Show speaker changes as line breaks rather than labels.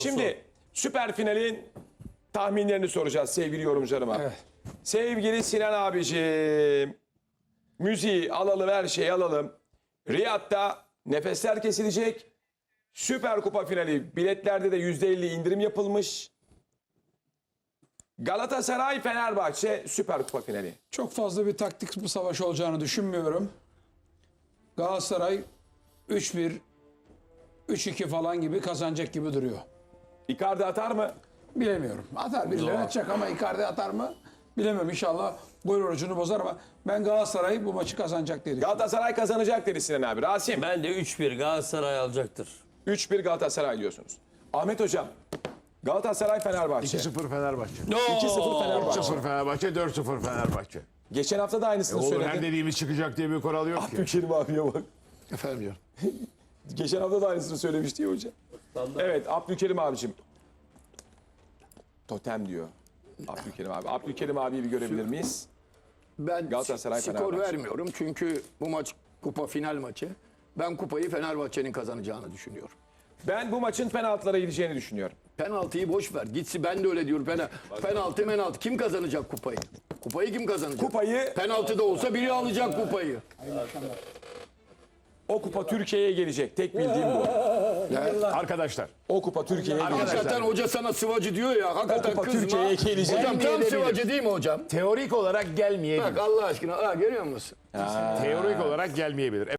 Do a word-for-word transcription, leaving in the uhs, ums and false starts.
Şimdi süper finalin tahminlerini soracağız sevgili yorumcularıma.
Evet.
Sevgili Sinan abiciğim, müziği alalım, her şeyi alalım. Riyad'da nefesler kesilecek. Süper Kupa finali biletlerde de yüzde elli indirim yapılmış. Galatasaray Fenerbahçe Süper Kupa finali.
Çok fazla bir taktik bir savaş olacağını düşünmüyorum. Galatasaray üç bir, üç iki falan gibi kazanacak gibi duruyor.
Icardi atar mı?
Bilemiyorum. Atar birileri atacak ama Icardi atar mı? Bilemem, inşallah gol orucunu bozar ama ben Galatasaray bu maçı kazanacak diye düşünüyorum.
Galatasaray kazanacak dedi Sinan abi. Rasim,
Ben de üç bir Galatasaray alacaktır.
üç bir Galatasaray diyorsunuz. Ahmet hocam, Galatasaray Fenerbahçe.
iki sıfır Fenerbahçe.
iki sıfır Fenerbahçe.
üç sıfır Fenerbahçe, dört sıfır Fenerbahçe.
Geçen hafta da aynısını
Olur, her
söyledin.
dediğimiz çıkacak diye bir kural yok ki.
Abdülkerim abiye bak.
Efendim diyor.
Geçen hafta da aynısını söylemişti ya hocam. Evet, Abdülkerim abicim. Totem diyor. Abdülkerim abi. Abdülkerim abiyi bir görebilir miyiz?
Ben
Galatasaray,
skor
Fenerbahçe.
vermiyorum çünkü bu maç kupa final maçı. Ben kupayı Fenerbahçe'nin kazanacağını düşünüyorum.
Ben bu maçın penaltılara gideceğini düşünüyorum.
Penaltıyı boş ver. Gitsi ben de öyle diyorum. Pena, penaltı penaltı. Kim kazanacak kupayı? Kupayı kim kazanacak?
Kupayı,
Penaltı da olsa biri alacak kupayı.
o kupa Türkiye'ye gelecek. Tek bildiğim bu.
Arkadaşlar,
O kupa Türkiye'ye gelecek.
Hakikaten hoca sana sıvacı diyor ya. Hakikaten
kupa
kızma.
Türkiye'ye gelecek.
Hocam tam
Gelmeyebilir.
sıvacı değil mi hocam?
teorik olarak gelmeyebilir.
Bak Allah aşkına. Ha, görüyor musun?
Teorik olarak gelmeyebilir.